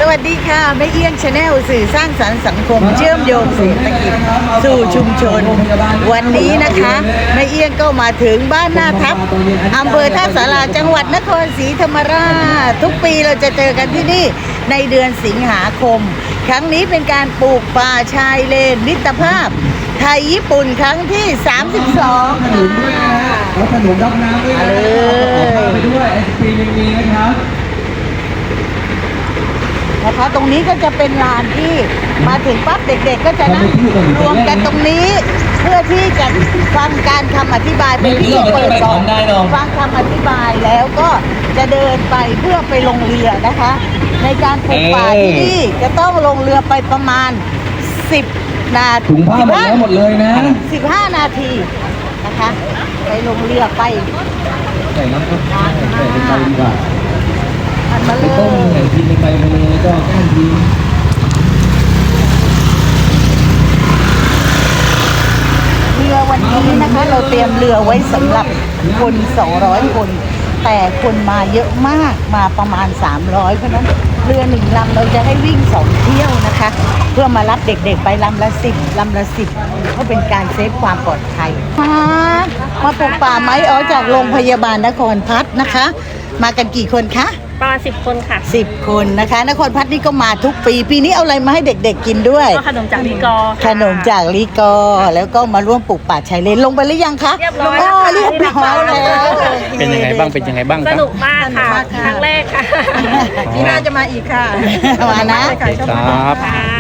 วัสดีค่ะแม่เอี้ยงชาแนลสื่อสร้างสรรค์สังคมเชื่อมโยงเศรษฐกิจสู่ชุมชนวันนี้นะคะแม่เอี้ยงก็มาถึงบ้านหน้าทับอำเภอท่าสาราจังหวัดนครศรีธรรมราชทุกปีเราจะเจอกันที่นี่ในเดือนสิงหาคมครั้งนี้เป็นการปลูกป่าชายเลนมิตรภาพไทยญี่ปุ่นครั้งที่32 ขนุนด้วยนะฮะแล้วขนุนรับน้ำด้วยนะไปด้วยไอศครีมยังมีนะครับนะคะตรงนี้ก็จะเป็นลานที่มาถึงปั๊บเด็กๆก็จะนั่งรวมกันตรงนี้เพื่อที่จะฟังการคำอธิบายเป็นที่เปิดก่อนฟังคำอธิบายแล้วก็จะเดินไปเพื่อไปลงเรือนะคะในการปลูกป่าที่นี่จะต้องลงเรือไปประมาณ10 นาทีถุงผ้าหมดแล้วหมดเลยนะ 15 นาทีนะคะไปลงเรือไปใส่น้ำครับใส่เป็นใบดีกว่ามาเลยต้มใส่ทีในใบมาเลยก็แก้มทีเรือวันนี้นะคะเราเตรียมเรือไว้สำหรับคน200 คนแต่คนมาเยอะมากมาประมาณ300เพราะนั้นเรือ1 ลำเราจะให้วิ่ง2 เที่ยวนะคะเพื่อมารับเด็กๆไปลำละ10 ลำละ10ก็เป็นการเซฟความปลอดภัยมาปลูกป่าไม้จากโรงพยาบาลนครพัฒน์นะคะมากันกี่คนคะประมาณ10 คนค่ะ 10 คนนะคะนครพัฒน์นี่ก็มาทุกปีนี้เอาอะไรมาให้เด็กๆกินด้วยก็ขนมจากลีกอขนมจากลีกอแล้วก็มาร่วมปลูกป่าชายเลนลงไปหรือยังคะเรียบร้อยเรียบร้อยแล้วเป็นยังไงบ้างสนุกมากค่ะครั้งแรกค่ะที่น่าจะมาอีกค่ะมานะครับ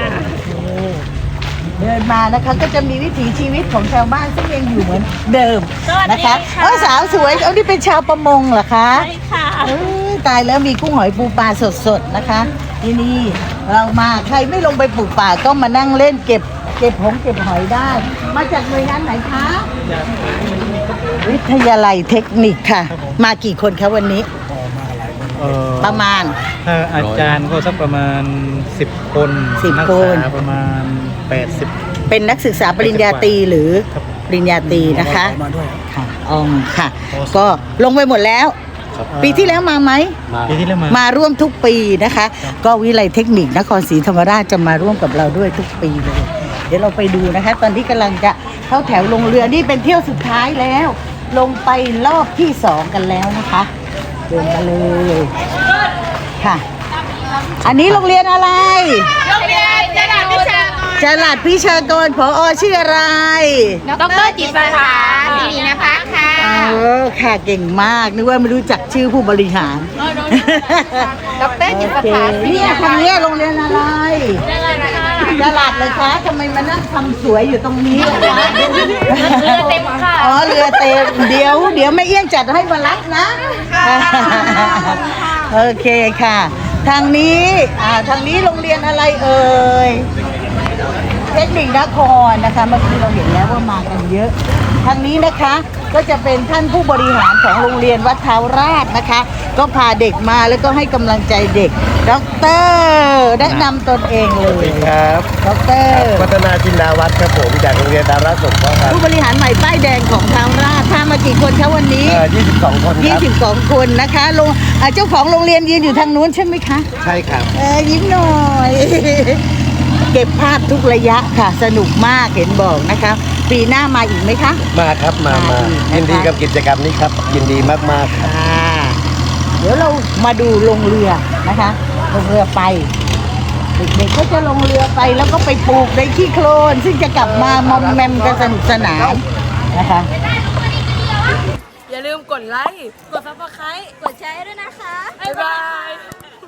เดินมานะคะก็จะมีวิถีชีวิตของชาวบ้านซึ่งยังอยู่เหมือนเดิมนะคะสาวสวยนี่เป็นชาวประมงเหรอคะใช่ค่ะตายแล้วมีกุ้งหอยปูปลาสดๆนะคะที่นี่เรามาใครไม่ลงไปปลูกป่าก็มานั่งเล่นเก็บหอยได้มาจากหน่วยงานไหนคะวิทยาลัยเทคนิคค่ะมากี่คนคะวันนี้ประมาณถ้าอาจารย์ก็สักประมาณ10 คนนักศึกษาประมาณ80 เป็นนักศึกษาปริญญาตรีหรือปริญญาตรีนะคะค่ะค่ะก็ลงไปหมดแล้วปีที่แล้วมาไหมปีที่แล้วมาร่วมทุกปีนะคะก็วิทยาลัยเทคนิคนครศรีธรรมราชจะมาร่วมกับเราด้วยทุกปีเลยเดี๋ยวเราไปดูนะคะตอนที่กำลังจะเข้าแถวลงเรือนี่เป็นเที่ยวสุดท้ายแล้วลงไปรอบที่2กันแล้วนะคะเดินมาเลยค่ะอันนี้โรงเรียนอะไรโรงเรียนจรัสพิชากรผอ.ชื่ออะไรดร.จิตรภาสิรินภัสค่ะค่ะเก่งมากนึกว่าไม่รู้จักชื่อผู้บริหารดร.จิตรภานี่ทางนี้โรงเรียนอะไรจรัสเลยคะทำไมมานั่งทำสวยอยู่ตรงนี้ล่ะคะเรือเต็มค่ะเรือเต็มเดี๋ยวแม่เอี้ยงจัดให้มารับนะโอเคค่ะทางนี้โรงเรียนอะไรเอ่ยเทคนิคนครนะคะเมื่อกี้เราเห็นแล้วว่ามากันเยอะทางนี้นะคะก็จะเป็นท่านผู้บริหารของโรงเรียนวัดเท้าราชนะคะก็พาเด็กมาแล้วก็ให้กำลังใจเด็กดร.แนะนำตนเองเลยครับดร. พัฒนาจินดาวัฒน์ครับผมจากโรงเรียนดาราสงเคราะห์ครับผู้บริหารใหม่ป้ายแดงของเท้าราชพามากี่คนคะวันนี้ 22 คนครับ 22 คนนะคะเจ้าของโรงเรียนยืนอยู่ทางนู้นใช่ไหมคะใช่ครับยิ้มหน่อยเก็บภาพทุกระยะค่ะสนุกมากเห็นบอกนะคะปีหน้ามาอีกไหมคะมาครับมายินดีกับกิจกรรมนี้ครับยินดีมากๆครับเดี๋ยวเรามาดูลงเรือนะคะลงเรือไปเด็กๆก็จะลงเรือไปแล้วก็ไปปลูกในขี้โคลนซึ่งจะกลับมามอมแมมกันสนุกสนานนะคะอย่าลืมกดไลค์กดซับสไครต์กดแชร์ด้วยนะคะบ๊ายบาย